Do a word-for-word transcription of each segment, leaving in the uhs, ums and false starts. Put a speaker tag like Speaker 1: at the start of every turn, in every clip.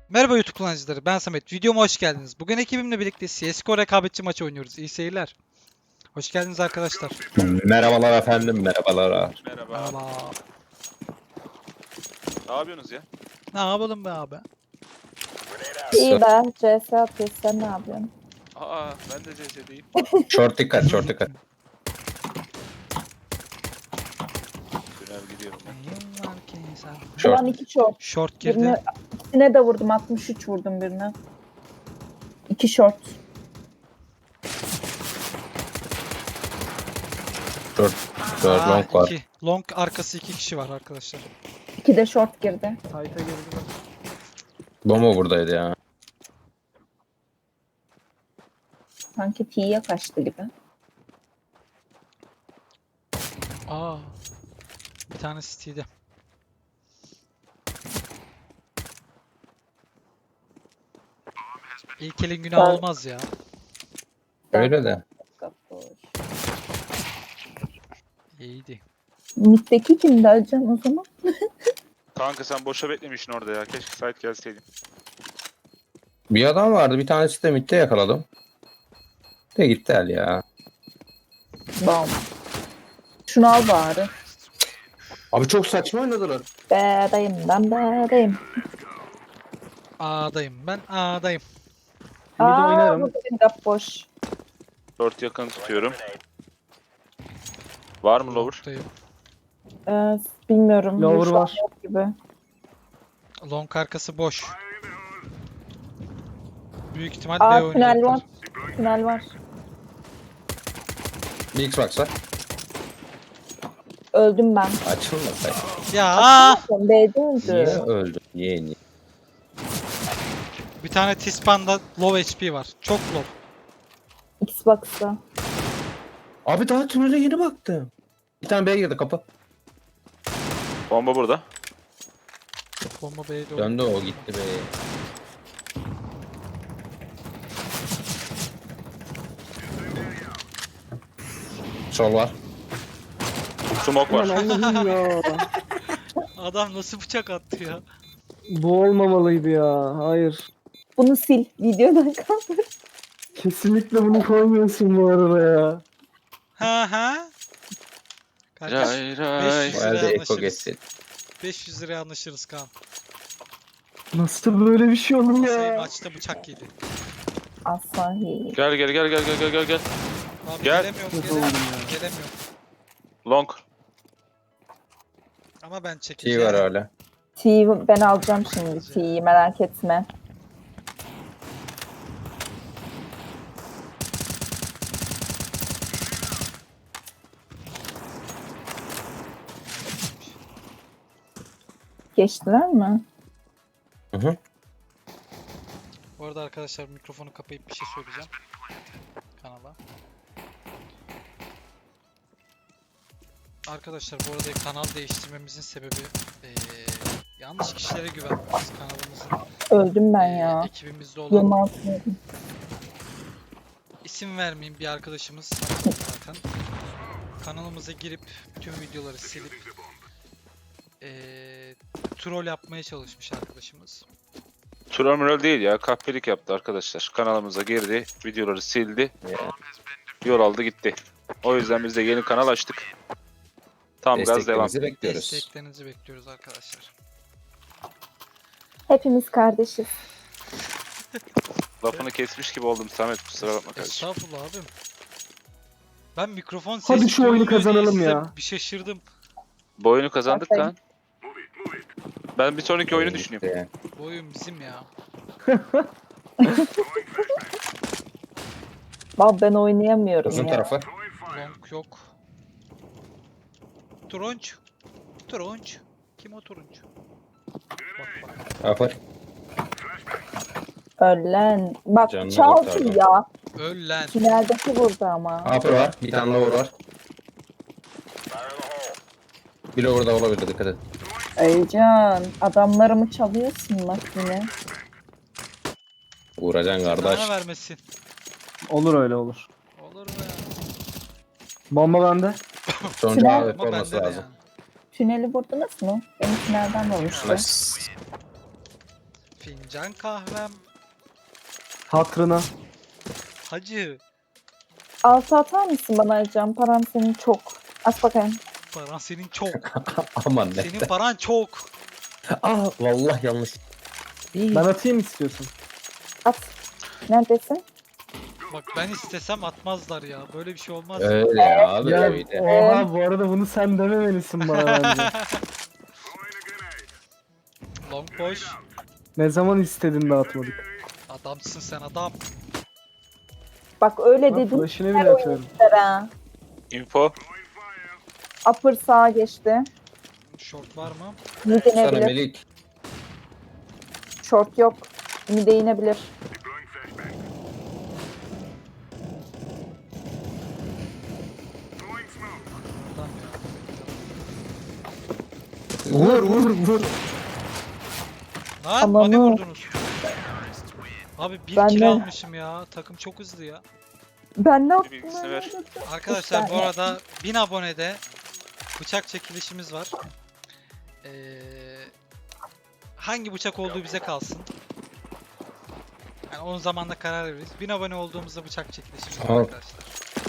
Speaker 1: Merhaba YouTube kullanıcıları, ben Samet. Videoma hoş geldiniz. Bugün ekibimle birlikte C S G O rekabetçi maçı oynuyoruz. İyi seyirler. Hoş geldiniz arkadaşlar.
Speaker 2: Merhabalar efendim, merhabalar.
Speaker 3: Merhaba.
Speaker 1: Merhaba.
Speaker 3: Ne yapıyorsunuz ya?
Speaker 1: Ne yapalım be abi?
Speaker 4: İyi be. C S atıyorsun. Sen ne yapıyorsun?
Speaker 3: Aa ben de C S'deyim.
Speaker 2: Short dikkat, short dikkat.
Speaker 3: Döner gidiyorum ben.
Speaker 1: Neyim var ki sen?
Speaker 2: Short.
Speaker 4: Ulan iki short.
Speaker 1: Short girdi.
Speaker 4: Birine, ikisine de vurdum. altmış üç vurdum birine. İki short.
Speaker 2: Short. Short
Speaker 1: Aa,
Speaker 2: long var.
Speaker 1: iki. Long arkası iki kişi var arkadaşlar.
Speaker 4: İki de short girdi.
Speaker 2: Bomba buradaydı ya.
Speaker 4: Sanki T'ye kaçtı gibi.
Speaker 1: Aa. Bir tane City'de. İlk elin günah
Speaker 4: Ben-
Speaker 1: olmaz ya.
Speaker 2: Öyle de.
Speaker 1: İyiydi.
Speaker 4: Mid'deki kimdi Alcan o zaman?
Speaker 3: Kanka sen boşa beklemişsin orada ya. Keşke site gelseydin.
Speaker 2: Bir adam vardı, bir tanesi de midde yakaladım. De gitti el ya.
Speaker 4: Bam. Şunu al bari.
Speaker 2: Abi çok saçma oynadılar.
Speaker 4: B'dayım ben B'dayım.
Speaker 1: A'dayım ben A'dayım.
Speaker 4: Aa burada bir gap boş.
Speaker 3: Dört yakın tutuyorum. Var mı lower?
Speaker 1: Long'dayım.
Speaker 4: Ee, bilmiyorum.
Speaker 5: Lower
Speaker 4: Şu an
Speaker 5: var.
Speaker 4: yok gibi.
Speaker 1: Long arkası boş. Büyük ihtimal
Speaker 4: Aa,
Speaker 1: B
Speaker 4: tünel
Speaker 1: oynayacaklar.
Speaker 4: var. Tünel var.
Speaker 2: Bir Xbox var.
Speaker 4: Öldüm ben.
Speaker 2: Açılmasaydı.
Speaker 1: Ya
Speaker 4: B'de
Speaker 2: Niye
Speaker 4: öldü.
Speaker 2: öldü? Niye niye?
Speaker 1: bir tane Tispan'da low H P var. Çok low.
Speaker 4: Xbox'ta.
Speaker 2: Abi daha tünele yeni baktım. Bir tane B'ye girdi kapı.
Speaker 3: Bomba burada.
Speaker 1: Bomba B'de oldu.
Speaker 2: Döndü o gitti B'ye. Sol var.
Speaker 3: Smoke var.
Speaker 5: Aman Allah'ım ya.
Speaker 1: Adam nasıl bıçak attı ya?
Speaker 5: Bu olmamalıydı ya. Hayır.
Speaker 4: Bunu sil. Videodan kaldır.
Speaker 5: Kesinlikle bunu koymuyorsun bu arada ya.
Speaker 1: Ha ha. Kardeş
Speaker 3: Ray ray.
Speaker 1: beş
Speaker 2: Bu
Speaker 1: yüz
Speaker 2: elde
Speaker 1: liraya
Speaker 2: Eko
Speaker 1: anlaşırız.
Speaker 2: geçsin.
Speaker 1: beş yüz liraya anlaşırız Kaan.
Speaker 5: Nasıl böyle bir şey olur
Speaker 1: Sayı
Speaker 5: ya?
Speaker 1: maçta bıçak yedi.
Speaker 4: Asahi.
Speaker 3: Gel gel gel gel gel gel gel gel.
Speaker 1: Abi
Speaker 3: Gel.
Speaker 1: gelemiyorum,
Speaker 5: Kötü
Speaker 1: gelemiyorum,
Speaker 5: oldum ya.
Speaker 1: gelemiyorum.
Speaker 3: Long.
Speaker 1: Ama ben
Speaker 2: T
Speaker 1: çekeceğim.
Speaker 2: var öyle.
Speaker 4: T'yi ben alacağım şimdi. T'yi merak etme. Geçtiler mi?
Speaker 2: Hı hı.
Speaker 1: Bu arada arkadaşlar mikrofonu kapayıp bir şey söyleyeceğim. Kanala. Arkadaşlar bu arada kanal değiştirmemizin sebebi eee, yanlış kişilere güvenmemiz. Kanalımızın
Speaker 4: Öldüm ben
Speaker 1: eee,
Speaker 4: ya.
Speaker 1: ekibimizde olan
Speaker 4: Yılmaz altına.
Speaker 1: isim vermeyeyim bir arkadaşımız zaten. Kanalımıza girip tüm videoları silip eee troll yapmaya çalışmış arkadaşımız.
Speaker 3: Troll değil ya. Kahpelik yaptı arkadaşlar. Kanalımıza girdi. Videoları sildi.
Speaker 2: Ya.
Speaker 3: Yol aldı gitti. O yüzden biz de yeni kanal açtık. Tam gaz devam.
Speaker 2: Desteklerinizi bekliyoruz.
Speaker 1: Desteklerinizi bekliyoruz arkadaşlar.
Speaker 4: Hepimiz kardeşiz.
Speaker 3: Lafını kesmiş gibi oldum Samet. Kusura bakma kardeşim.
Speaker 1: Estağfurullah abim. Ben mikrofon
Speaker 5: Hadi
Speaker 1: sesi
Speaker 5: şu oyunu
Speaker 1: duyuluyor diye
Speaker 5: kazanalım
Speaker 1: size
Speaker 5: ya.
Speaker 1: bir şaşırdım.
Speaker 3: Bu oyunu kazandık
Speaker 4: Aferin.
Speaker 3: lan. Ben bir sonraki oyunu düşünüyorum.
Speaker 2: Gitti.
Speaker 1: Bu oyun bizim ya.
Speaker 4: Bak ben oynayamıyorum
Speaker 2: Uzun
Speaker 4: ya.
Speaker 2: tarafı.
Speaker 1: Long yok. Turunç. Turunç. Kim o turunç? Bak bak.
Speaker 2: Upper.
Speaker 4: Ölen. Bak
Speaker 2: Canını
Speaker 4: çaldı
Speaker 2: kurtardı.
Speaker 4: ya.
Speaker 1: Öl lan.
Speaker 4: Tüneldeki vurdu ama.
Speaker 2: Upper var. Bir tane lower var. Bir lower da olabilir, dikkat et.
Speaker 4: Eycan adamlarımı çalıyorsun bak yine.
Speaker 2: Uğracan kardeş.
Speaker 1: Bana vermesin.
Speaker 5: Olur öyle olur.
Speaker 1: Olur mu ya?
Speaker 5: Bomba bende.
Speaker 2: Sonuncu
Speaker 4: Silah-
Speaker 2: A W P
Speaker 1: Ama
Speaker 2: olması
Speaker 1: bende de
Speaker 2: lazım.
Speaker 1: yani.
Speaker 4: Tüneli vurdunuz mu? Benim tünelden vurmuştu.
Speaker 2: Nice.
Speaker 1: Fincan kahvem.
Speaker 5: Hatırına.
Speaker 1: Hacı.
Speaker 4: Altı atar mısın bana Ercan? Param senin çok. At bakayım.
Speaker 1: Paran senin çok.
Speaker 2: Aman ne.
Speaker 1: Senin paran çok.
Speaker 2: Aa vallahi yanlış.
Speaker 5: Ben atayım istiyorsun.
Speaker 4: At. Neredesin?
Speaker 1: Bak ben istesem atmazlar ya. Böyle bir şey olmaz.
Speaker 2: Öyle ya abi
Speaker 5: Ya
Speaker 2: öyle.
Speaker 5: oha bu arada bunu sen dememelisin bana bence.
Speaker 1: Long boş.
Speaker 5: Ne zaman istedin de atmadık.
Speaker 1: Adamsın sen adam.
Speaker 4: Bak öyle
Speaker 5: Bak
Speaker 4: dedim.
Speaker 5: flash'ını
Speaker 4: Her
Speaker 5: bile
Speaker 4: oyun
Speaker 5: atıyorum.
Speaker 4: ister ha.
Speaker 3: Info.
Speaker 4: Upper sağa geçti.
Speaker 1: Short var mı?
Speaker 4: Mid
Speaker 2: Sana
Speaker 4: inebilir.
Speaker 2: Melik.
Speaker 4: Short yok. Mid'e inebilir.
Speaker 1: Adam ya.
Speaker 5: Vur vur vur.
Speaker 1: Lan
Speaker 4: Aman
Speaker 1: bana
Speaker 4: ha.
Speaker 1: vurdunuz. Abi bir
Speaker 4: Ben
Speaker 1: kill
Speaker 4: de-
Speaker 1: almışım ya. Takım çok hızlı ya.
Speaker 4: Ben ne yaptım?
Speaker 3: bilgisini ver.
Speaker 1: Arkadaşlar bu
Speaker 4: saniye.
Speaker 1: arada bin abonede bıçak çekilişimiz var. Ee, hangi bıçak olduğu bize kalsın. Yani onun zamanla karar veririz. bin abone olduğumuzda bıçak çekilişimiz var
Speaker 2: Tamam.
Speaker 1: arkadaşlar.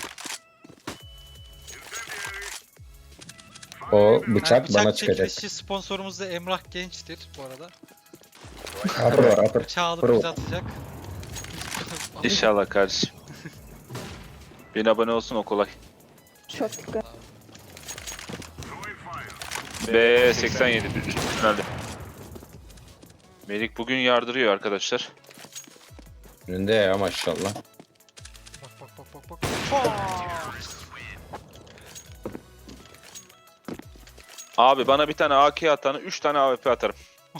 Speaker 2: O
Speaker 1: Yani
Speaker 2: bıçak bana çıkacak.
Speaker 1: çekilişi sponsorumuz da Emrah Genç'tir bu arada.
Speaker 2: Upper var upper.
Speaker 1: Bıçağı alıp
Speaker 2: Bravo.
Speaker 1: bize atacak.
Speaker 3: İnşallah kardeşim. Bin abone olsun o kolay.
Speaker 4: Çok güzel.
Speaker 3: B seksen yedi finalde. Melik bugün yardırıyor arkadaşlar.
Speaker 2: Önünde ya maşallah.
Speaker 1: Bak bak bak bak bak. Faa!
Speaker 3: Abi bana bir tane A K atanı üç tane A W P atarım.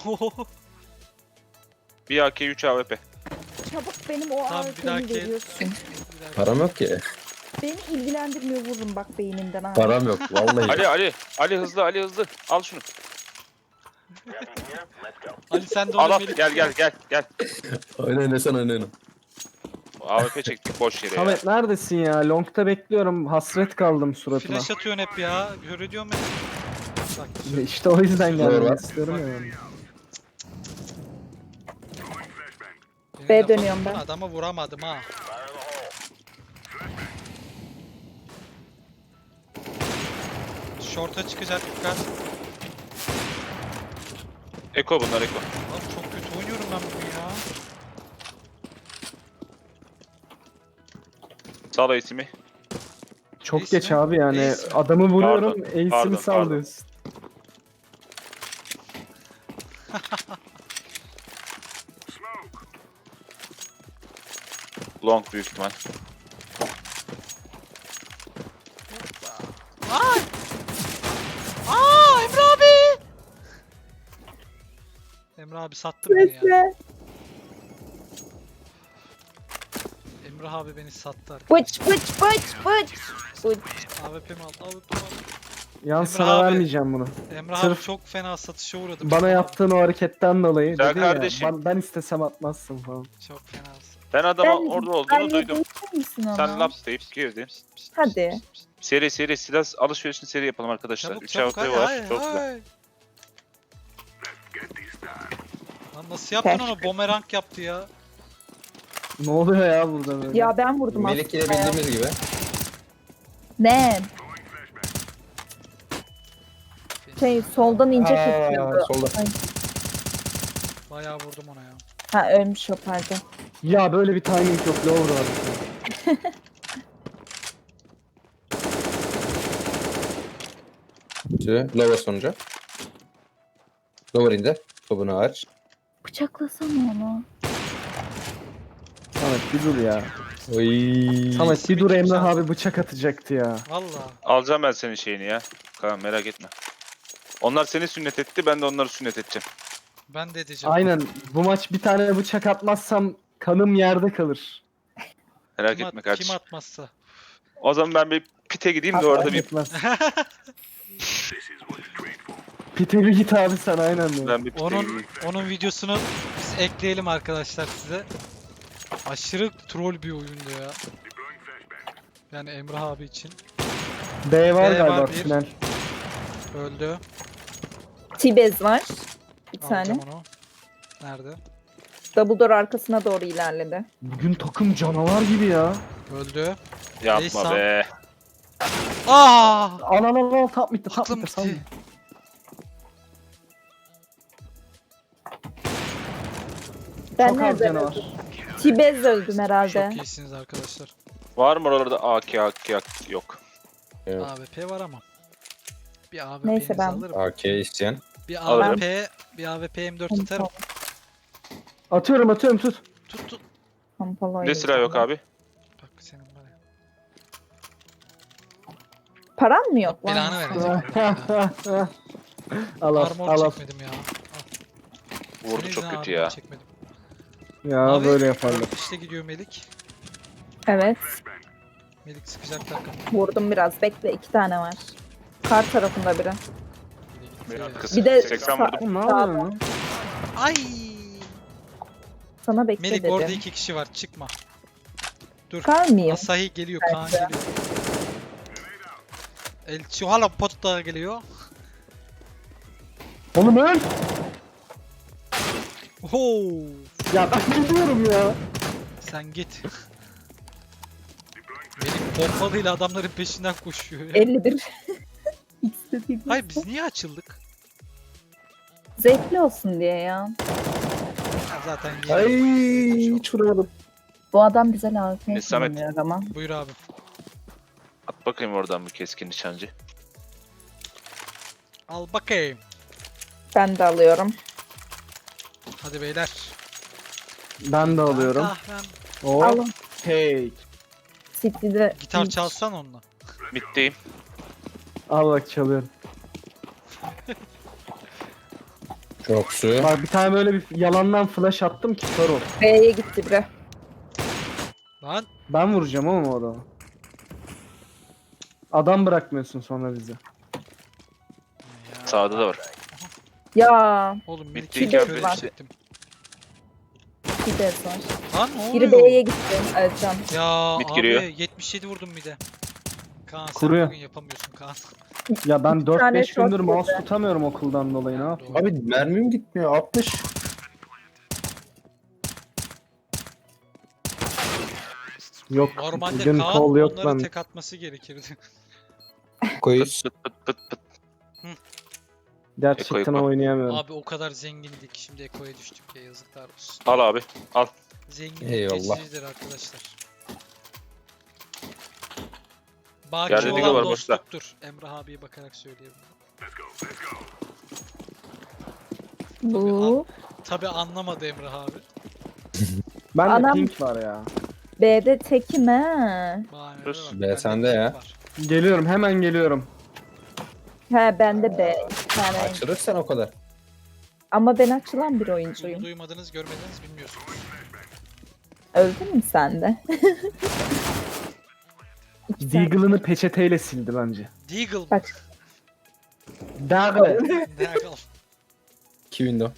Speaker 3: Bir A K üç A W P.
Speaker 6: Çabuk benim o
Speaker 1: Tamam, bir
Speaker 6: A W P'mi
Speaker 1: dahaki-
Speaker 6: veriyorsun.
Speaker 1: Bir dakika.
Speaker 2: Param yok ki.
Speaker 6: Beni ilgilendirmiyor vururum bak beynimden ha.
Speaker 2: Param yok vallahi.
Speaker 3: Ali Ali Ali hızlı Ali hızlı al şunu.
Speaker 1: Ali sen de
Speaker 3: Al
Speaker 1: onu
Speaker 3: al
Speaker 1: Melih.
Speaker 3: gel gel gel gel.
Speaker 2: Oyna ne sen oyna.
Speaker 3: A W P çektik boş yere ya.
Speaker 5: Samet neredesin ya? Long'ta bekliyorum. Hasret kaldım suratına.
Speaker 1: Flash atıyorsun hep ya. Gör ediyorum beni. Bak.
Speaker 5: İşte o yüzden
Speaker 2: Doğru.
Speaker 5: gelmek istiyorum ya ben.
Speaker 1: Yine
Speaker 4: B
Speaker 1: laf
Speaker 4: dönüyorum
Speaker 1: attın,
Speaker 4: ben.
Speaker 1: Adama vuramadım ha. Short'a çıkacak dikkat.
Speaker 3: Eko bunlar Eko.
Speaker 1: Abi çok kötü oynuyorum ben bugün ya.
Speaker 3: Sağ ol ismi.
Speaker 5: Çok
Speaker 1: Neyse.
Speaker 5: geç abi yani.
Speaker 1: Neyse.
Speaker 5: Adamı vuruyorum.
Speaker 3: Pardon,
Speaker 5: Ace'ini
Speaker 3: pardon,
Speaker 5: sallıyorsun.
Speaker 3: Long büyük ihtimal.
Speaker 1: Ay! Aa Emre abi! Emre abi sattı beni ya.
Speaker 4: Neyse.
Speaker 1: Emre abi beni sattı arkadaşlar.
Speaker 4: Bıç bıç bıç bıç. Bıç.
Speaker 1: A W P'mi aldı. A W P'mi aldı.
Speaker 5: Yan
Speaker 1: Emre
Speaker 5: sana
Speaker 1: abi.
Speaker 5: vermeyeceğim bunu.
Speaker 1: Emre abi
Speaker 5: Sırf
Speaker 1: çok fena satışa uğradım.
Speaker 5: Bana yaptığın o hareketten dolayı
Speaker 3: Güzel
Speaker 5: dedin ya.
Speaker 3: kardeşim.
Speaker 5: Ben, ben istesem atmazsın falan.
Speaker 1: Çok fena.
Speaker 3: Ben adama
Speaker 4: Ben-
Speaker 3: orada
Speaker 4: Ben
Speaker 3: olduğunu duydum.
Speaker 4: yedirtir misin onu?
Speaker 3: Sen laps deyip girdin.
Speaker 4: Hadi.
Speaker 3: Seri seri silah alışverişini seri yapalım arkadaşlar.
Speaker 1: Çabuk
Speaker 3: üç
Speaker 1: çabuk
Speaker 3: A W
Speaker 1: hadi
Speaker 3: P var.
Speaker 1: hadi.
Speaker 3: Çok güzel.
Speaker 1: hadi. Lan nasıl yaptın onu? Bumerang yaptı ya.
Speaker 5: Ne oluyor ya burada böyle?
Speaker 4: Ya ben vurdum
Speaker 2: Melik ile
Speaker 4: aslında ya.
Speaker 2: bildiğimiz gibi.
Speaker 4: Ne? Şey soldan ince
Speaker 2: Aa,
Speaker 4: kesiyordu.
Speaker 2: solda.
Speaker 4: Ay.
Speaker 1: Bayağı vurdum ona ya.
Speaker 4: Ha ölmüş o pardon.
Speaker 5: Ya böyle bir timing yok. Lower var.
Speaker 2: Şimdi Lower sonucu. Lower indi. Topunu aç.
Speaker 4: Bıçaklasana onu.
Speaker 5: Samet bir dur ya.
Speaker 2: Oy.
Speaker 5: Samet bir dur
Speaker 1: Kim
Speaker 5: Emrah
Speaker 1: sen?
Speaker 5: abi bıçak atacaktı ya.
Speaker 1: Valla.
Speaker 3: Alacağım ben senin şeyini ya. Kaan merak etme. Onlar seni sünnet etti, ben de onları sünnet edeceğim.
Speaker 1: Ben de edeceğim.
Speaker 5: Aynen. Bu maç bir tane bıçak atmazsam kanım yerde kalır.
Speaker 3: Merak
Speaker 1: Kim,
Speaker 3: etme
Speaker 1: at-
Speaker 3: kardeşim.
Speaker 1: kim atmazsa.
Speaker 3: O zaman ben bir pite gideyim de orada bir
Speaker 5: Etmez. Pite bir git abi sen aynen de.
Speaker 3: ben bir pite
Speaker 1: Onun
Speaker 3: gideyim.
Speaker 1: onun videosunu biz ekleyelim arkadaşlar size. Aşırı troll bir oyundu ya. Yani Emrah abi için.
Speaker 5: B var
Speaker 1: B
Speaker 5: galiba
Speaker 1: var, bir.
Speaker 5: tünel.
Speaker 1: Öldü.
Speaker 4: Tibez var. Bir
Speaker 1: Alacağım
Speaker 4: tane.
Speaker 1: onu. Nerede?
Speaker 6: Double door arkasına doğru ilerledi.
Speaker 5: Bugün takım canavar gibi ya.
Speaker 1: Öldü.
Speaker 3: Yapma
Speaker 1: Neyse.
Speaker 3: be.
Speaker 1: Aa!
Speaker 5: Al al al al tap bitti tap
Speaker 1: Aklım
Speaker 5: bitti. Sal.
Speaker 1: gitti.
Speaker 6: Ben
Speaker 5: Çok az
Speaker 6: nereden
Speaker 5: canavar.
Speaker 6: öldüm? Tibez öldüm herhalde.
Speaker 1: Çok iyisiniz arkadaşlar.
Speaker 3: Var mı oralarda A K A K yok.
Speaker 2: Evet.
Speaker 1: A W P var ama. Bir A W
Speaker 6: Neyse,
Speaker 1: P'nizi
Speaker 6: ben-
Speaker 1: alırım.
Speaker 2: A K isteyen.
Speaker 1: Bir
Speaker 3: Alırım.
Speaker 1: A W P, bir A W P M dört atarım.
Speaker 5: Atıyorum atıyorum tut.
Speaker 1: Tut tut.
Speaker 6: Pompalı
Speaker 3: Ne silah yok
Speaker 6: oynayacağım.
Speaker 3: abi?
Speaker 1: Bak senin var ya.
Speaker 6: Param mı yok lan?
Speaker 1: Belanı verecek.
Speaker 5: al al
Speaker 1: Armor
Speaker 5: al al.
Speaker 1: çekmedim ya. Al.
Speaker 3: Vurdu
Speaker 1: Senin
Speaker 3: çok
Speaker 1: yüzünden
Speaker 3: kötü
Speaker 1: armor
Speaker 3: ya.
Speaker 1: Çekmedim.
Speaker 5: Ya
Speaker 1: Abi,
Speaker 5: böyle yaparlar.
Speaker 1: dört işte gidiyor Melik.
Speaker 6: Evet.
Speaker 1: Melik sıkacak takım.
Speaker 6: Vurdum biraz. Bekle, iki tane var. Kar tarafında biri.
Speaker 1: Bir de gitti
Speaker 3: Bir
Speaker 1: ya.
Speaker 3: arkası.
Speaker 6: Bir de
Speaker 3: seksen
Speaker 6: sağ-
Speaker 3: vurdum.
Speaker 5: Ne yapıyorsun lan?
Speaker 1: Ay!
Speaker 6: Sana bekle
Speaker 1: Melik
Speaker 6: dedim.
Speaker 1: orada iki kişi var çıkma. Dur.
Speaker 6: Kar mıyım?
Speaker 1: Asahi geliyor, Kaan
Speaker 6: Bence.
Speaker 1: geliyor. El Chihuahua pot da geliyor.
Speaker 5: Oğlum öl.
Speaker 1: Oo!
Speaker 5: Ya ben gidiyorum ya.
Speaker 1: Sen git. Melik pompalıyla adamların peşinden koşuyor ya.
Speaker 6: elli bir. İkisi de değil.
Speaker 1: Hayır biz niye açıldık?
Speaker 6: Zevkli olsun diye ya.
Speaker 1: Ha, zaten
Speaker 5: Ay
Speaker 1: yeni-
Speaker 5: hiç vuramadım.
Speaker 6: Bu adam bize lazım
Speaker 3: Ne, Samet?
Speaker 6: kullanıyor ama.
Speaker 1: Buyur abi.
Speaker 3: At bakayım oradan bir keskin nişancı.
Speaker 1: Al bakayım.
Speaker 6: Ben de alıyorum.
Speaker 1: Hadi beyler.
Speaker 5: Ben de alıyorum.
Speaker 1: Ah, ben
Speaker 5: Hop.
Speaker 6: Alın.
Speaker 5: Hey.
Speaker 6: City'de
Speaker 1: gitar çalsan onunla.
Speaker 3: Middeyim.
Speaker 5: Al bak çalıyorum.
Speaker 2: Çok su.
Speaker 5: Bak bir tane böyle bir yalandan flash attım ki kör ol.
Speaker 6: B'ye gitti biri.
Speaker 1: Lan
Speaker 5: Ben vuracağım ama o adamı. Adam bırakmıyorsun sonra bizi.
Speaker 1: ya.
Speaker 3: Sağda da var.
Speaker 6: Ya
Speaker 1: Oğlum
Speaker 3: Bitti,
Speaker 1: Melik'i
Speaker 6: iki
Speaker 1: kör
Speaker 6: var.
Speaker 1: edecektim.
Speaker 6: Tibez var.
Speaker 1: Lan ne
Speaker 6: Biri
Speaker 1: oluyor?
Speaker 6: B'ye gitti. Ercan.
Speaker 1: Ya
Speaker 3: Mid
Speaker 1: abi
Speaker 3: giriyor.
Speaker 1: yetmiş yedi vurdum bir de. Kaan sen
Speaker 5: Kuruyor.
Speaker 1: bugün yapamıyorsun Kaan.
Speaker 5: Ya ben dört
Speaker 6: tane
Speaker 5: beş
Speaker 6: short
Speaker 5: gündür mouse
Speaker 6: vurdu.
Speaker 5: tutamıyorum okuldan dolayı ne yapayım?
Speaker 1: Doğru.
Speaker 2: Abi mermim gitmiyor. altmış.
Speaker 5: Yok
Speaker 1: Normalde
Speaker 5: bugün
Speaker 1: Kaan
Speaker 5: kol yok
Speaker 1: onları
Speaker 5: ben.
Speaker 1: tek atması gerekirdi.
Speaker 2: Koyuz.
Speaker 3: Pıt pıt pıt pıt.
Speaker 5: Gerçekten
Speaker 3: Eko, eko.
Speaker 5: oynayamıyorum.
Speaker 1: Abi o kadar zengindik şimdi Eko'ya düştük ya yazıklar olsun.
Speaker 3: Al abi. Al.
Speaker 1: Zenginlik
Speaker 2: Eyvallah.
Speaker 1: geçicidir arkadaşlar. Baki
Speaker 3: Yerde Deagle
Speaker 1: olan
Speaker 3: var, boşta.
Speaker 1: dostluktur. Emrah abiye bakarak söylüyorum.
Speaker 6: Bu.
Speaker 1: Tabi anlamadı Emrah abi.
Speaker 5: Ben de
Speaker 6: Anam-
Speaker 5: pink var ya.
Speaker 6: B'de tekim he.
Speaker 1: Bahanelere
Speaker 3: Dur.
Speaker 1: bak,
Speaker 2: Be,
Speaker 1: bende
Speaker 2: sende
Speaker 1: pink
Speaker 2: ya.
Speaker 1: var.
Speaker 5: Geliyorum hemen geliyorum.
Speaker 6: He bende B. İki tane.
Speaker 2: Açılırsan o kadar.
Speaker 6: Ama ben açılan bir
Speaker 1: Bunu
Speaker 6: oyuncuyum.
Speaker 1: duymadınız, görmediniz, bilmiyorsunuz.
Speaker 6: Öldün mü sen de? İki tane.
Speaker 5: Deagle'ını peçeteyle sildi bence.
Speaker 1: Deagle mı?
Speaker 6: Bak.
Speaker 5: Deagle.
Speaker 1: Deagle.
Speaker 2: İki window.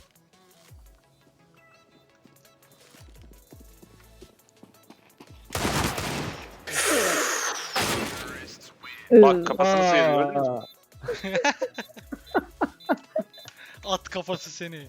Speaker 3: Bak kafasını sıyırıyor. gördün mü?
Speaker 5: Aa,
Speaker 1: At kafası seni.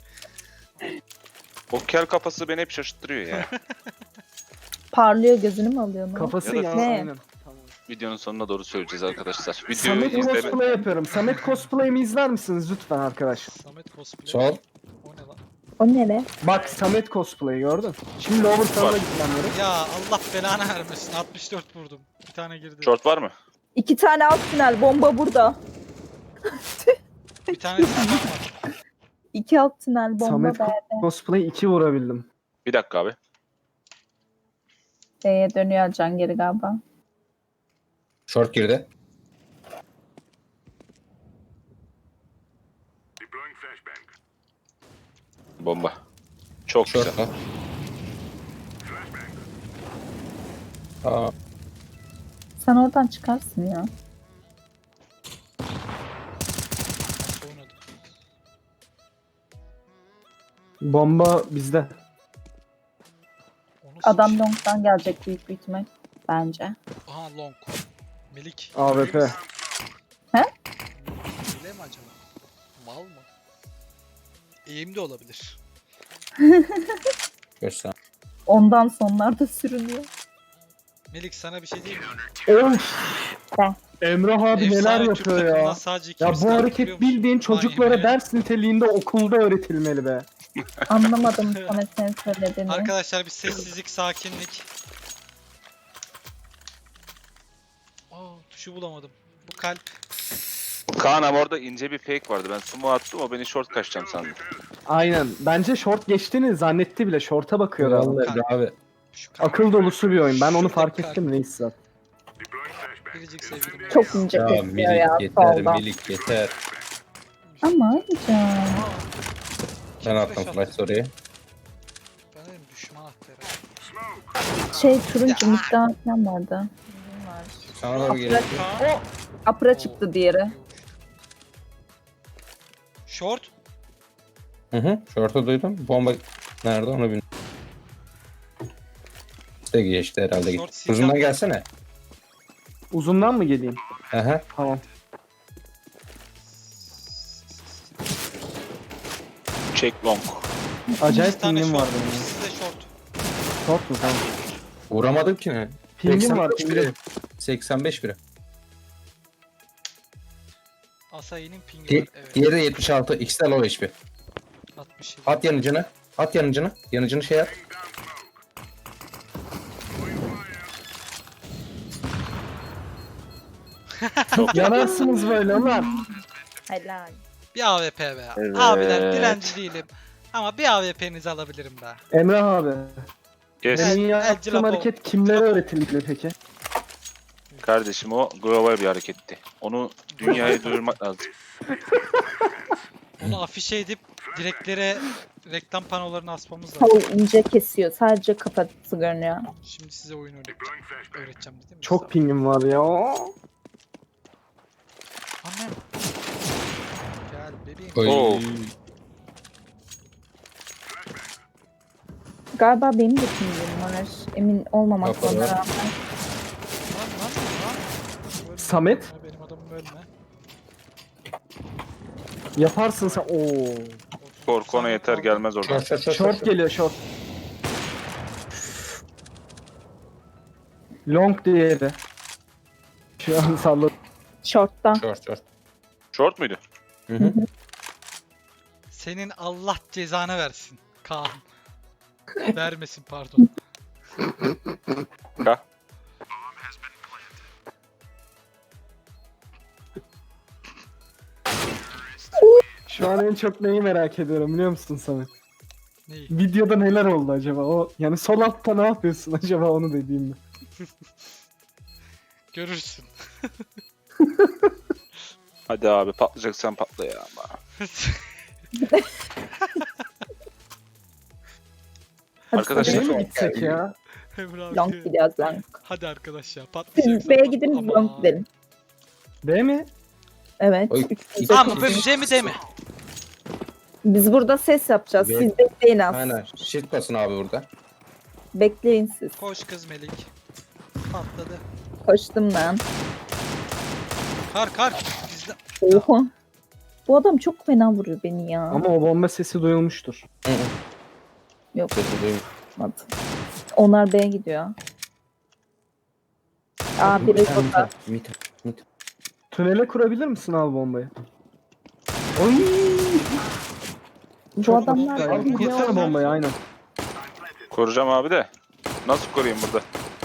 Speaker 3: O kel kafası beni hep şaşırttırıyor ya.
Speaker 6: Parlıyor, gözünü mü alıyor?
Speaker 5: Kafası
Speaker 3: Ya da-
Speaker 5: ya.
Speaker 6: Ne?
Speaker 5: Aynen. Tamam.
Speaker 3: Videonun sonuna doğru söyleyeceğiz arkadaşlar. Videoyu
Speaker 5: Samet
Speaker 3: izleme.
Speaker 5: cosplay yapıyorum. Samet cosplay'imi izler misiniz lütfen arkadaş?
Speaker 1: Samet cosplay.
Speaker 2: Sol.
Speaker 1: O ne lan?
Speaker 6: O ne be?
Speaker 5: Bak Samet cosplay gördün. Şimdi over sana gitmem gerek.
Speaker 1: Ya Allah belanı vermesin. altmış dört vurdum. Bir tane girdi.
Speaker 3: Short var mı?
Speaker 6: İki tane alt tünel. Bomba burada.
Speaker 1: Bir tane de sağlam var.
Speaker 6: İki alt tünel. Bomba
Speaker 5: Samet
Speaker 6: B'de.
Speaker 5: cosplay iki vurabildim.
Speaker 3: Bir dakika abi.
Speaker 6: B'ye dönüyor Can geri galiba.
Speaker 2: Short girdi.
Speaker 3: Bomba. Çok
Speaker 2: Short
Speaker 3: güzel.
Speaker 2: var. Aa,
Speaker 6: Sen oradan çıkarsın ya.
Speaker 1: Nasıl oynadı?
Speaker 5: Bomba bizde.
Speaker 1: O nasıl
Speaker 6: Adam
Speaker 1: bir şey?
Speaker 6: long'dan gelecek büyük bir ihtimal. Bence.
Speaker 1: Aha long. Melik.
Speaker 5: A W P.
Speaker 6: He?
Speaker 1: Öyle mi acaba? Mal mı? Eğim de olabilir.
Speaker 2: Göster.
Speaker 6: Ondan sonlarda sürünüyor.
Speaker 1: Melik sana bir şey diyeyim mi?
Speaker 5: Of.
Speaker 6: Ben.
Speaker 5: Emrah abi neler
Speaker 1: Efsane Türk
Speaker 5: yapıyor
Speaker 1: takımından
Speaker 5: ya.
Speaker 1: sadece
Speaker 5: Ya
Speaker 1: ikimiz
Speaker 5: bu
Speaker 1: kaldık,
Speaker 5: hareket
Speaker 1: biliyor musun?
Speaker 5: bildiğin çocuklara
Speaker 1: Vay be.
Speaker 5: ders niteliğinde okulda öğretilmeli be.
Speaker 6: Anlamadım Samet senin söylediğini.
Speaker 1: Arkadaşlar bir sessizlik, sakinlik. Aa, tuşu bulamadım. Bu kalp.
Speaker 3: Kaan abi orada ince bir fake vardı. Ben sumo attım, o beni short kaçacağım sandı.
Speaker 5: Aynen. Bence short geçtiğini zannetti bile. Short'a bakıyor adam.
Speaker 2: Vallahi abi.
Speaker 1: Şu kalp.
Speaker 5: Akıl dolusu bir oyun. Ben onu
Speaker 1: Şuradaki
Speaker 5: fark
Speaker 1: kalp.
Speaker 5: ettim neyse.
Speaker 1: Biricik sevgilim.
Speaker 6: Çok ince
Speaker 2: Ya
Speaker 6: kesiyor
Speaker 2: milik
Speaker 6: ya
Speaker 2: yeter,
Speaker 6: solda.
Speaker 2: milik yeter.
Speaker 6: Ama hocam.
Speaker 2: Ben attım flash story'yi.
Speaker 1: Ben dedim düşman attı herhalde.
Speaker 6: Şey turuncu miktar falan vardı. Var.
Speaker 2: Sana da bir gerek yok.
Speaker 1: Kaan.
Speaker 6: Apra çıktı diğeri.
Speaker 1: Short.
Speaker 2: Hı hı. Short'u duydum. Bomba nerede onu bilmiyorum. İşte geçti herhalde.
Speaker 1: Short
Speaker 2: Git. Uzundan
Speaker 1: silah-
Speaker 2: gelsene.
Speaker 5: Uzundan mı geleyim?
Speaker 2: Aha.
Speaker 5: Tamam.
Speaker 3: Check long.
Speaker 5: Acayip
Speaker 1: İki tane
Speaker 5: pingim
Speaker 1: short.
Speaker 5: var benim.
Speaker 1: İkisi de short.
Speaker 5: Short mu? Tamam.
Speaker 2: Vuramadım ki ne?
Speaker 5: Pingim var.
Speaker 2: seksen beş biri.
Speaker 5: Pingim.
Speaker 2: seksen beş biri.
Speaker 1: Asayi'nin pingi
Speaker 2: Di
Speaker 1: var. Evet.
Speaker 2: Diğeri de yetmiş altı. İkisi de low H P.
Speaker 1: altmış yedi.
Speaker 2: At yanıcını. At yanıcını. Yanıcını şey at.
Speaker 5: Yanarsınız böyle ulan.
Speaker 6: Helal.
Speaker 1: Bir A W P be.
Speaker 3: Evet.
Speaker 1: Abiler dilenci değilim. Ama bir A W P'nizi alabilirim be.
Speaker 5: Emrah abi.
Speaker 3: Yes.
Speaker 5: Benim
Speaker 1: El-
Speaker 5: yaptığım
Speaker 1: Cilapo.
Speaker 5: hareket kimlere öğretilmeli peki?
Speaker 3: Kardeşim o global bir hareketti. Onu dünyaya duyurmak lazım.
Speaker 1: Onu afişe edip direklere reklam panolarını asmamız lazım.
Speaker 6: Havul ince kesiyor. Sadece kafası görünüyor.
Speaker 1: Şimdi size oyun öğreteceğim. Öğreteceğim dedim mi?
Speaker 5: Çok pingim var ya.
Speaker 1: Annem. Gel bebeğim.
Speaker 2: Oy.
Speaker 3: Oo.
Speaker 6: Galiba benim de pingim var. Emin olmamakla
Speaker 2: Kapalı.
Speaker 6: beraber.
Speaker 1: Lan lan lan. Ölme,
Speaker 5: Samet?
Speaker 1: ölme, benim adamım ölme.
Speaker 5: Yaparsın sen. Oo.
Speaker 3: Korku ona yeter gelmez oradan.
Speaker 2: Short short short.
Speaker 5: Short geliyor short. Long diğeri. Şu an salladım.
Speaker 6: Short'ta.
Speaker 2: Short short.
Speaker 3: Short muydu?
Speaker 2: Hı hı.
Speaker 1: Senin Allah cezanı versin. Kaan. Vermesin pardon.
Speaker 3: Ka.
Speaker 5: Şu an en çok neyi merak ediyorum biliyor musun Samet?
Speaker 1: Neyi?
Speaker 5: Videoda neler oldu acaba? O yani sol altta ne yapıyorsun acaba onu dediğimde.
Speaker 1: Görürsün.
Speaker 3: Hadi abi patlayacaksan patla ya ama.
Speaker 6: Hadi
Speaker 3: Arkadaşlar-
Speaker 6: Samet.
Speaker 5: Şeye mi gitsek ya?
Speaker 1: Emre abi.
Speaker 6: Long gidiyoruz long.
Speaker 1: Hadi arkadaş ya
Speaker 6: Siz
Speaker 1: patlayacaksan
Speaker 6: B'ye
Speaker 1: patla.
Speaker 6: gidin biz
Speaker 1: Ama-
Speaker 6: long gidelim.
Speaker 5: Değil mi?
Speaker 6: Evet.
Speaker 2: Oy.
Speaker 6: üç yüze
Speaker 1: Ama
Speaker 6: kırk.
Speaker 1: böyle mi de mi?
Speaker 6: Biz burada ses yapacağız.
Speaker 2: Be-
Speaker 6: Siz bekleyin az.
Speaker 2: Aynen. Shift basın abi burada.
Speaker 6: Bekleyin siz.
Speaker 1: Koş kız Melik. Patladı.
Speaker 6: Koştum ben.
Speaker 1: Kar kar. Bizde.
Speaker 6: Oha. Bu adam çok fena vuruyor beni ya.
Speaker 5: Ama o bomba sesi duyulmuştur.
Speaker 2: Hı hı.
Speaker 6: Yok
Speaker 2: Sesi duyun.
Speaker 6: olmadı. Onlar B'ye gidiyor. Aa biri
Speaker 2: Mit,
Speaker 6: burada.
Speaker 2: mit, mit.
Speaker 5: Tünele kurabilir misin al bombayı? Oy!
Speaker 6: Bu
Speaker 5: Çok
Speaker 6: adamlar
Speaker 5: güzel.
Speaker 1: Abi,
Speaker 6: biliyor.
Speaker 5: Kursana bombayı aynen.
Speaker 3: Koruyacağım abi de. Nasıl koruyayım burada?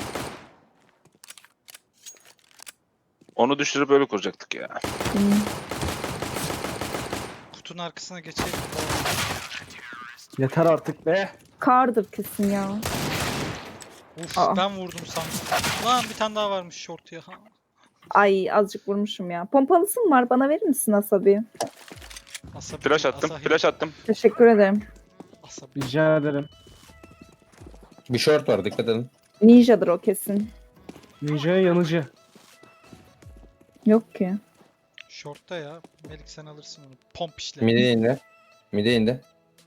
Speaker 3: Onu düşürüp öyle kuracaktık ya.
Speaker 6: Hmm.
Speaker 1: Kutunun arkasına geçelim.
Speaker 5: Yeter artık be.
Speaker 6: Kardır kesin ya.
Speaker 1: Uf
Speaker 6: Aa.
Speaker 1: ben vurdum sandım. Lan bir tane daha varmış short ya.
Speaker 6: Ay azıcık vurmuşum ya. Pompalısı mı var? Bana verir misin Asabi?
Speaker 1: Asabi,
Speaker 3: Flash attım,
Speaker 1: Asahi,
Speaker 3: flash attım.
Speaker 6: Teşekkür ederim.
Speaker 1: Asabi.
Speaker 5: Rica ederim.
Speaker 2: Bir short var dikkat edin.
Speaker 6: Ninja'dır o kesin.
Speaker 5: Ninja'ya yanıcı.
Speaker 6: Yok ki.
Speaker 1: Short'ta ya. Melik sen alırsın onu. Pomp işle.
Speaker 2: Mide indi. Mide indi.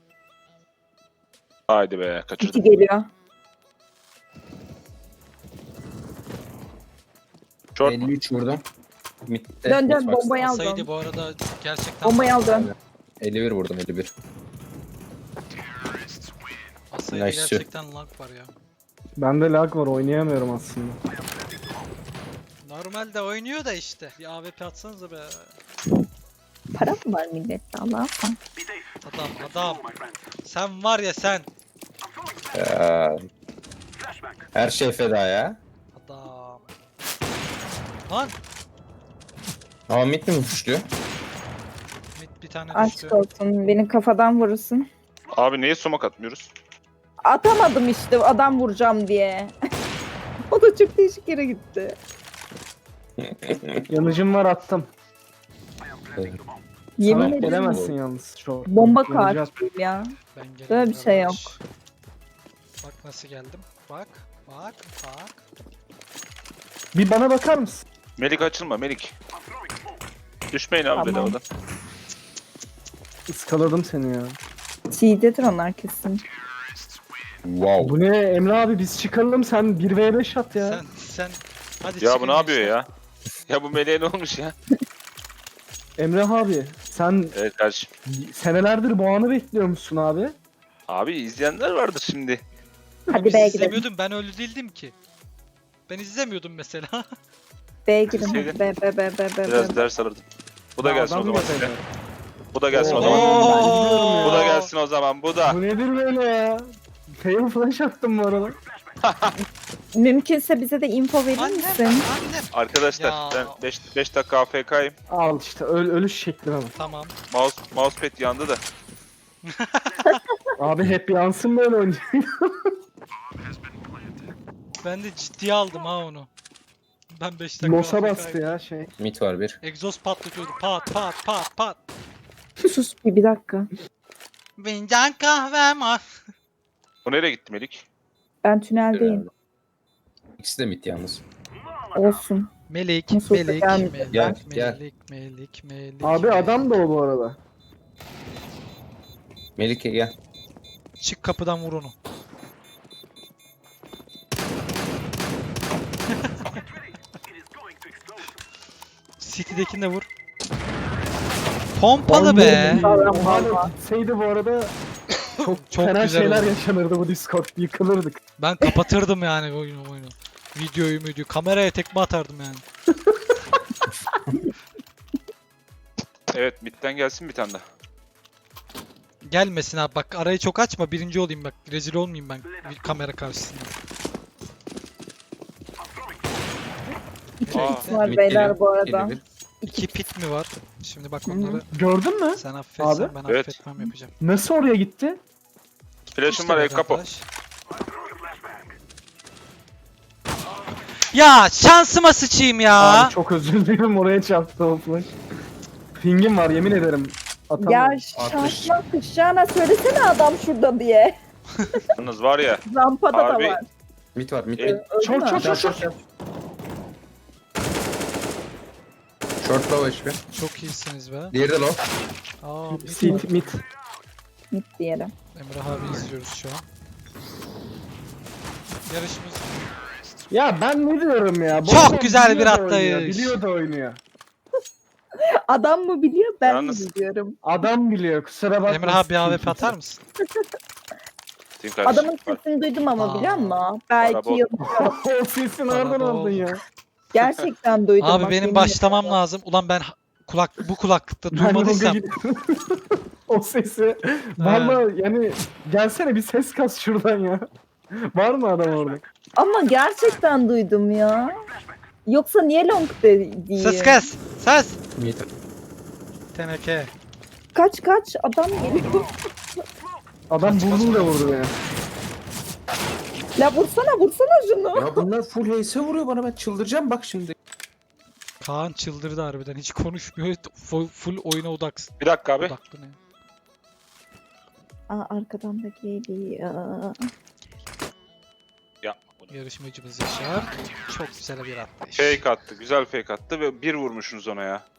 Speaker 3: Haydi be
Speaker 6: İki
Speaker 3: kaçırdım.
Speaker 6: geliyor.
Speaker 3: Short
Speaker 2: elli üç vurdum. Mid'de.
Speaker 6: Dön dön
Speaker 2: mid box'ta.
Speaker 6: bombayı
Speaker 1: Asaydı
Speaker 6: aldım.
Speaker 1: bu arada gerçekten.
Speaker 6: Bombayı aldım.
Speaker 2: elli bir vurdum elli bir.
Speaker 1: sayıda
Speaker 2: Nice.
Speaker 1: gerçekten lag var ya.
Speaker 5: Bende lag var oynayamıyorum aslında.
Speaker 1: Normalde oynuyor da işte. Bir A W P atsanıza be.
Speaker 6: Para mı var millette Allah'ım?
Speaker 1: Adam adam. Sen var ya sen.
Speaker 2: Ya. Her şey feda ya.
Speaker 1: Adam. Lan.
Speaker 2: Ama mid mi puşluyor?
Speaker 1: Mid bir tane düştü.
Speaker 6: Aşk olsun. Beni kafadan vurursun.
Speaker 3: Abi niye sumak atmıyoruz?
Speaker 6: Atamadım işte adam vuracağım diye. O da çok değişik yere gitti.
Speaker 5: Yanıcım var attım.
Speaker 6: Yemin
Speaker 5: Sana
Speaker 6: ederim
Speaker 5: gelemezsin yalnız. Şu
Speaker 6: bomba
Speaker 5: Yanıcı at-
Speaker 6: kartıyım ya.
Speaker 1: Ben geliyorum
Speaker 6: Böyle bir şey yok.
Speaker 1: kardeş. Bak nasıl geldim. Bak. Bak. Bak.
Speaker 5: Bir bana bakar mısın?
Speaker 3: Melik açılma Melik. Düşmeyin abi
Speaker 6: Tamam.
Speaker 3: bedavadan.
Speaker 5: Iskaladım seni ya.
Speaker 6: Çiğdedir onlar kesin.
Speaker 2: Wow.
Speaker 5: Bu ne Emre abi biz çıkalım sen bir ve beş at ya.
Speaker 1: Sen sen hadi
Speaker 3: Ya
Speaker 1: çıkın
Speaker 3: bu ne yapıyor
Speaker 1: gençler.
Speaker 3: ya? Ya bu Melek'e ne olmuş ya?
Speaker 5: Emre abi sen
Speaker 3: Evet kardeşim.
Speaker 5: senelerdir bu anı bekliyormuşsun abi.
Speaker 3: Abi izleyenler vardır şimdi.
Speaker 6: Hadi
Speaker 1: Biz
Speaker 6: B'ye gidelim.
Speaker 1: izlemiyordum, ben öyle değildim ki. Ben izlemiyordum mesela.
Speaker 6: B'ye gidelim.
Speaker 3: Şeyde-
Speaker 6: Hadi B B B B B.
Speaker 3: Biraz
Speaker 6: B.
Speaker 3: ders alırdım. Bu da
Speaker 5: Ya
Speaker 3: gelsin o
Speaker 5: adam
Speaker 3: zaman
Speaker 5: yapıyor.
Speaker 3: size. Bu da gelsin o
Speaker 5: Oo.
Speaker 3: zaman.
Speaker 5: Oo.
Speaker 3: Bu da gelsin o zaman. Bu da.
Speaker 5: Bu nedir böyle ya? Fail flash attım bu arada.
Speaker 6: Mümkünse bize de info verir
Speaker 1: Annem,
Speaker 6: misin?
Speaker 1: annem.
Speaker 3: Arkadaşlar
Speaker 1: Ya.
Speaker 3: ben beş dakika A F K'yim.
Speaker 5: Al işte öl ölüş şekline bak.
Speaker 1: Tamam.
Speaker 3: Mouse, mousepad yandı da.
Speaker 5: Abi hep yansın böyle oynayacak.
Speaker 1: Ben de ciddiye aldım ha onu. Ben beş dakika
Speaker 5: Nosa
Speaker 1: A F K'yim.
Speaker 5: bastı ya şey.
Speaker 2: Mid var bir.
Speaker 1: Egzoz patlatıyordu. Pat pat pat pat.
Speaker 6: Sus bir, bir dakika.
Speaker 1: Fincan kahvem var.
Speaker 3: Bu nereye gitti Melik?
Speaker 6: Ben tüneldeyim.
Speaker 2: İkisi de mid yalnız.
Speaker 6: Olsun.
Speaker 1: Melik,
Speaker 6: Nasıl olsa
Speaker 1: melik,
Speaker 6: gelmeyecek.
Speaker 1: melik,
Speaker 2: Gel, gel.
Speaker 1: melik, melik, melik.
Speaker 5: Abi
Speaker 1: melik.
Speaker 5: adam da o bu arada.
Speaker 2: Melike gel.
Speaker 1: Çık kapıdan vur onu. City'dekini de vur. Pompalı be.
Speaker 6: Sağlam
Speaker 5: Hala
Speaker 6: valla.
Speaker 5: gitseydi bu arada çok,
Speaker 1: Çok
Speaker 5: fena
Speaker 1: güzel
Speaker 5: şeyler
Speaker 1: oldu.
Speaker 5: yaşanırdı bu Discord. Yıkılırdık.
Speaker 1: Ben kapatırdım yani oyunu oyunu. Videoyu video. Kameraya tekme atardım yani.
Speaker 3: Evet midden gelsin bir tane daha.
Speaker 1: Gelmesin abi bak arayı çok açma birinci olayım bak. Rezil olmayayım ben bir kamera karşısında.
Speaker 6: İki
Speaker 3: Aa,
Speaker 6: hit var
Speaker 2: Mid
Speaker 6: beyler
Speaker 2: geliyor,
Speaker 6: bu arada.
Speaker 2: geliyor bir.
Speaker 1: İki pit mi var? Şimdi bak
Speaker 6: Hı hı.
Speaker 1: onları
Speaker 5: Gördün mü?
Speaker 1: sen affetsen
Speaker 5: Abi?
Speaker 1: ben
Speaker 3: Evet.
Speaker 1: affetmem yapacağım.
Speaker 5: Nasıl oraya gitti?
Speaker 3: Flash'ım
Speaker 1: İşte
Speaker 3: var el
Speaker 1: böyle
Speaker 3: kapo.
Speaker 1: arkadaş. Ya şansıma sıçayım ya.
Speaker 5: Abi çok özür dilerim oraya çarptı o flash. Pingim var yemin ederim. Atamam.
Speaker 6: Ya şansına sıçacağına söylesene adam şurada diye.
Speaker 3: Yalnız var ya.
Speaker 6: Rampada
Speaker 3: Abi,
Speaker 6: da var.
Speaker 2: Mid var mid.
Speaker 3: Evet.
Speaker 2: mid.
Speaker 6: Öldü
Speaker 5: Çok
Speaker 6: mü?
Speaker 5: çok çok çok.
Speaker 2: Short low H P.
Speaker 1: Çok iyisiniz be.
Speaker 2: Diğeri de low.
Speaker 1: Aa, mid var.
Speaker 5: Sit mid.
Speaker 6: Mid diyelim.
Speaker 1: Emrah abi izliyoruz şu an. Yarışımız
Speaker 5: Ya ben ne diyorum ya? Bu
Speaker 1: Çok
Speaker 5: adam
Speaker 1: güzel bir
Speaker 5: biliyor da
Speaker 1: atlayış.
Speaker 5: oynuyor, Biliyor da oynuyor.
Speaker 6: Adam mı biliyor ben
Speaker 3: Yalnız-
Speaker 6: mi biliyorum.
Speaker 5: Adam biliyor kusura bakma.
Speaker 1: Emrah abi bir A W P atar mısın?
Speaker 3: Team kardeşim.
Speaker 6: Adamın sesini duydum ama
Speaker 1: Aa.
Speaker 6: biliyor musun? Belki
Speaker 3: Araba-
Speaker 6: yıl...
Speaker 5: O sesi nereden
Speaker 1: Araba
Speaker 5: aldın
Speaker 1: oldu.
Speaker 5: ya?
Speaker 6: Gerçekten duydum.
Speaker 1: Abi
Speaker 6: bak,
Speaker 1: benim
Speaker 6: yemin
Speaker 1: başlamam
Speaker 6: ederim.
Speaker 1: lazım. Ulan ben ha- kulak bu kulaklıkta
Speaker 5: Ben
Speaker 1: duymadıysam.
Speaker 5: Roga gidiyorum. O sesi. Valla yani gelsene bir ses kas şuradan ya. Var mı adam orada?
Speaker 6: Ama gerçekten duydum ya. Yoksa niye long de diyeyim?
Speaker 1: Ses kes. Ses.
Speaker 2: Mid.
Speaker 1: Teneke.
Speaker 6: Kaç kaç adam geliyor.
Speaker 5: Adam burnuyla vurdu beni.
Speaker 6: La vursana vursana şunu.
Speaker 2: Ya bunlar full H S vuruyor bana ben çıldıracağım bak şimdi.
Speaker 1: Kaan çıldırdı harbiden. Hiç konuşmuyor. Full, full oyuna odaksın.
Speaker 3: Bir dakika abi.
Speaker 1: Odaklı ne?
Speaker 6: Aa arkadan da geliyor.
Speaker 3: Yapma bunu.
Speaker 1: Yarışmacımız Yaşar. Çok güzel bir atlayış.
Speaker 3: Fake attı. Güzel fake attı ve bir vurmuşsunuz ona ya.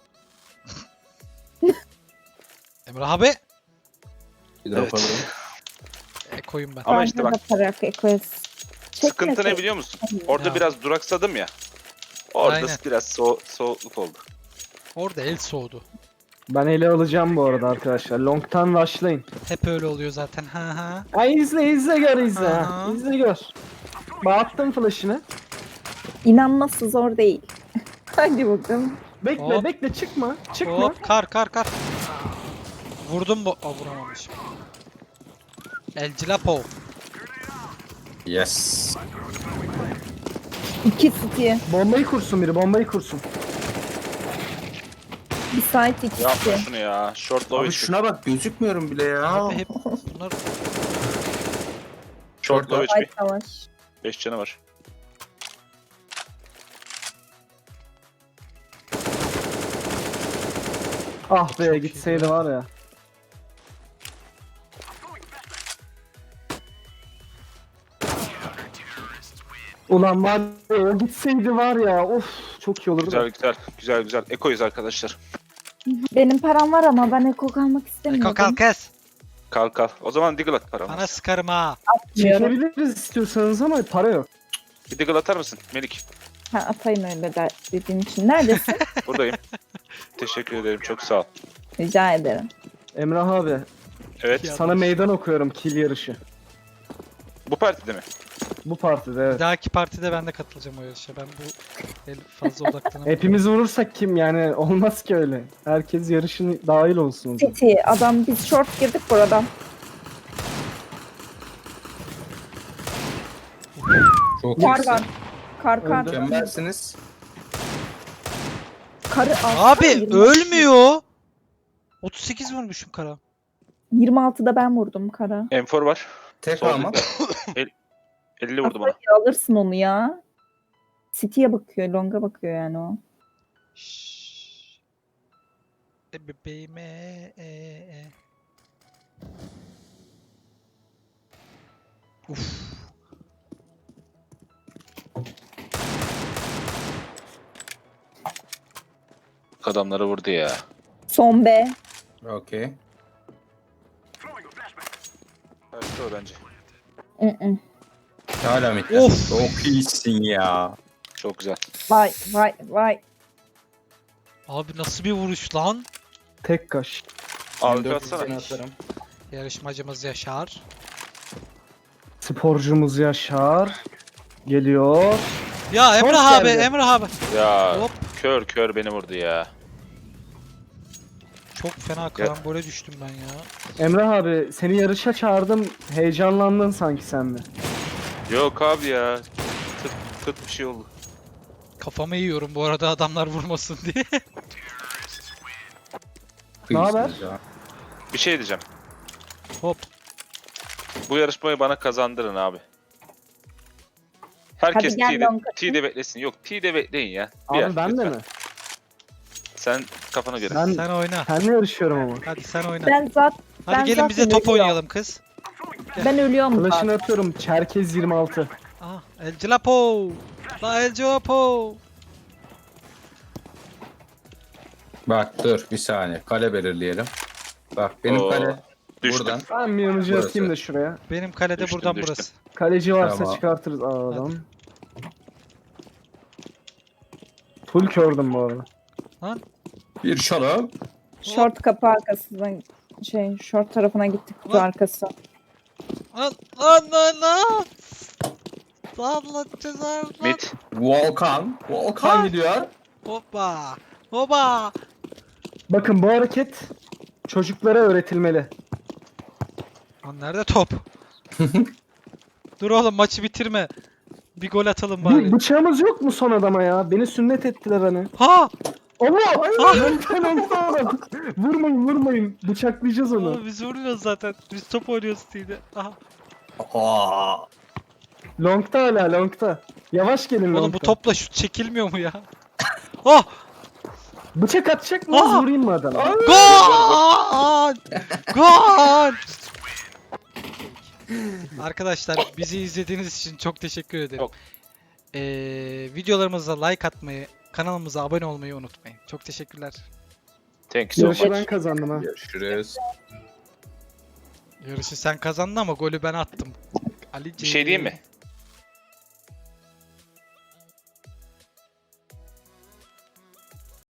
Speaker 1: Emrah abi.
Speaker 2: Bir drop
Speaker 3: Evet.
Speaker 2: alırım.
Speaker 1: E, koyun ben.
Speaker 3: Ama işte bak.
Speaker 6: Bakarak ekoz.
Speaker 3: Sıkıntı ne biliyor musun? Orada
Speaker 1: Ya.
Speaker 3: biraz duraksadım ya. Orada
Speaker 1: Aynen.
Speaker 3: biraz so soğukluk oldu.
Speaker 1: Orada el soğudu.
Speaker 5: Ben ele alacağım bu arada arkadaşlar. Long'tan rushlayın.
Speaker 1: Hep öyle oluyor zaten. Ha ha.
Speaker 5: Ay izle izle gör izle.
Speaker 1: Aha.
Speaker 5: ha. İzle gör. Bağıttım flash'ını.
Speaker 6: İnanması zor değil. Hadi bakalım.
Speaker 5: Bekle
Speaker 1: Hop.
Speaker 5: bekle çıkma. Çıkma.
Speaker 1: Hop kar kar kar. Vurdum bu. Aa vuramamışım. El Cilapo.
Speaker 2: Yes.
Speaker 6: İki City.
Speaker 5: Bombayı kursun biri bombayı kursun.
Speaker 6: Bir site iki
Speaker 3: Yapma
Speaker 6: City.
Speaker 3: şunu ya. Short low
Speaker 2: Abi
Speaker 3: H P.
Speaker 2: şuna bak gözükmüyorum bile ya.
Speaker 1: Abi hep bunlar
Speaker 3: Short low H P.
Speaker 6: Site savaş.
Speaker 3: beş canı var.
Speaker 5: Ah be
Speaker 1: Çok iyi
Speaker 5: gitseydi
Speaker 1: ya.
Speaker 5: var ya. Ulan var ya o gitseydi var ya of çok iyi olurdu.
Speaker 3: Güzel
Speaker 5: da.
Speaker 3: güzel. Güzel güzel. Eko'yuz arkadaşlar.
Speaker 6: Benim param var ama ben eko kalmak istemiyorum.
Speaker 1: Eko kal kes.
Speaker 3: Kalk kalk. O zaman Deagle at paramı.
Speaker 1: Bana sıkarım ha.
Speaker 6: Atmıyorum.
Speaker 5: Çekebiliriz istiyorsanız ama para yok.
Speaker 3: Bir Deagle atar mısın Melik?
Speaker 6: Ha, atayım öyle der, dediğin için. Neredesin?
Speaker 3: Buradayım. Teşekkür ederim. Çok sağ ol.
Speaker 6: Rica ederim.
Speaker 5: Emrah abi
Speaker 3: Evet.
Speaker 1: Ya.
Speaker 5: sana meydan okuyorum kill yarışı.
Speaker 3: Bu partide mi?
Speaker 5: Bu partide
Speaker 1: Bir
Speaker 5: evet.
Speaker 1: dahaki partide ben de katılacağım o yarışa. Ben bu el fazla odaklanamam.
Speaker 5: Hepimiz vurursak kim yani olmaz ki öyle. Herkes yarışın dahil olsun. o zaman.
Speaker 6: City. Adam biz short girdik buradan.
Speaker 2: Çok
Speaker 6: Kar
Speaker 2: iyisin.
Speaker 6: var. Kar kar.
Speaker 5: Öldü.
Speaker 2: Mükemmelsiniz.
Speaker 6: Karı alsana,
Speaker 1: Abi
Speaker 6: yirmi.
Speaker 1: ölmüyor. otuz sekiz vurmuşum kara.
Speaker 6: yirmi altıda ben vurdum kara.
Speaker 3: M four var.
Speaker 2: Tek
Speaker 3: Sol
Speaker 2: ama.
Speaker 3: El- elli vurdu bana.
Speaker 6: Kafayı alırsın onu ya. City'ye bakıyor, Long'a bakıyor yani o.
Speaker 1: Şşş. E bebeğime e e. Uf.
Speaker 3: Adamları vurdu ya.
Speaker 6: Son B.
Speaker 2: Okey.
Speaker 3: Kaçtı o bence.
Speaker 6: Hı-hı.
Speaker 2: Hala mitte.
Speaker 1: Of.
Speaker 2: Çok iyisin ya.
Speaker 3: Çok güzel.
Speaker 6: Vay vay vay.
Speaker 1: Abi nasıl bir vuruş lan?
Speaker 5: Tek kaş.
Speaker 3: Abi
Speaker 2: Dört
Speaker 3: atsana.
Speaker 2: seni atarım.
Speaker 1: Yarışmacımız Yaşar.
Speaker 5: Sporcumuz Yaşar. Geliyor.
Speaker 1: Ya
Speaker 5: Short
Speaker 1: Emrah abi,
Speaker 5: geldi.
Speaker 1: Emrah abi.
Speaker 3: Ya
Speaker 1: Hop.
Speaker 3: kör kör beni vurdu ya.
Speaker 1: Çok fena karambole düştüm ben ya.
Speaker 5: Emrah abi seni yarışa çağırdım. Heyecanlandın sanki sen de.
Speaker 3: Yok abi ya. Tık tık bir şey oldu.
Speaker 1: Kafamı yiyorum bu arada adamlar vurmasın diye.
Speaker 5: Ne haber?
Speaker 2: İyisiniz ya.
Speaker 3: Bir şey diyeceğim.
Speaker 1: Hop.
Speaker 3: Bu yarışmayı bana kazandırın abi. Herkes
Speaker 6: Hadi gel
Speaker 3: T'de,
Speaker 6: long
Speaker 3: T'de beklesin. Yok T'de bekleyin ya. Bir
Speaker 5: Abi
Speaker 3: yer,
Speaker 5: ben de
Speaker 3: lütfen.
Speaker 5: mi?
Speaker 3: Sen kafana göre.
Speaker 5: Ben
Speaker 1: Sen oyna.
Speaker 5: seninle yarışıyorum ama.
Speaker 1: Hadi sen oyna.
Speaker 6: Ben zaten
Speaker 1: Hadi
Speaker 6: ben
Speaker 1: gelin bize
Speaker 6: zaten
Speaker 1: top
Speaker 6: ölüyorum.
Speaker 1: oynayalım kız.
Speaker 6: ben ölüyorum
Speaker 5: Flash'ını
Speaker 6: zaten.
Speaker 5: atıyorum. Çerkez yirmi altı.
Speaker 1: Aha, El Cilapo. La El Cilapo.
Speaker 2: Bak dur bir saniye. Kale belirleyelim. Bak benim
Speaker 3: Oo,
Speaker 2: kale
Speaker 3: düştüm.
Speaker 2: buradan.
Speaker 5: Ben bir yanıcı
Speaker 2: Burası.
Speaker 5: atayım da şuraya.
Speaker 1: Benim kalede
Speaker 3: Düştüm,
Speaker 1: buradan
Speaker 3: düştüm.
Speaker 1: burası.
Speaker 5: Kaleci varsa
Speaker 2: Tamam.
Speaker 5: çıkartırız aradan. Full kördüm bu arada.
Speaker 2: Bir şarap.
Speaker 6: Short kapı arkasından şey short tarafına gittik kutu
Speaker 1: Lan.
Speaker 6: arkası.
Speaker 1: Lan lan lan lan. Lan lan cezar lan.
Speaker 3: Mid.
Speaker 2: Volkan. Volkan
Speaker 1: Ha.
Speaker 2: gidiyor.
Speaker 1: Hoppa. Hoppa.
Speaker 5: Bakın bu hareket çocuklara öğretilmeli.
Speaker 1: Lan nerede top? Dur oğlum maçı bitirme. Bir gol atalım
Speaker 5: Bir
Speaker 1: bari.
Speaker 5: bıçağımız yok mu son adama ya? Beni sünnet ettiler hani.
Speaker 1: Ha!
Speaker 5: Allah!
Speaker 1: Ah!
Speaker 5: Long'tan olsa vurmayın vurmayın. Bıçaklayacağız onu.
Speaker 1: Aa, biz vuruyoruz zaten. Biz top oynuyoruz diye. Aha.
Speaker 2: Aa.
Speaker 5: Long'ta hala long'ta. Yavaş gelin long'ta.
Speaker 1: Oğlum bu topla şut çekilmiyor mu ya? Oh!
Speaker 5: Bıçak atacak mıyız
Speaker 1: Ah!
Speaker 5: vurayım mı adama?
Speaker 1: Gol! Gol! Arkadaşlar bizi izlediğiniz için çok teşekkür ederim.
Speaker 3: Yok.
Speaker 1: Ee, videolarımıza like atmayı, kanalımıza abone olmayı unutmayın. Çok teşekkürler.
Speaker 3: Thank you so
Speaker 5: Yarışı
Speaker 3: much.
Speaker 5: ben kazandım ha.
Speaker 2: Görüşürüz.
Speaker 1: Yarışı sen kazandın ama golü ben attım. Ali
Speaker 3: Bir şey diyeyim mi?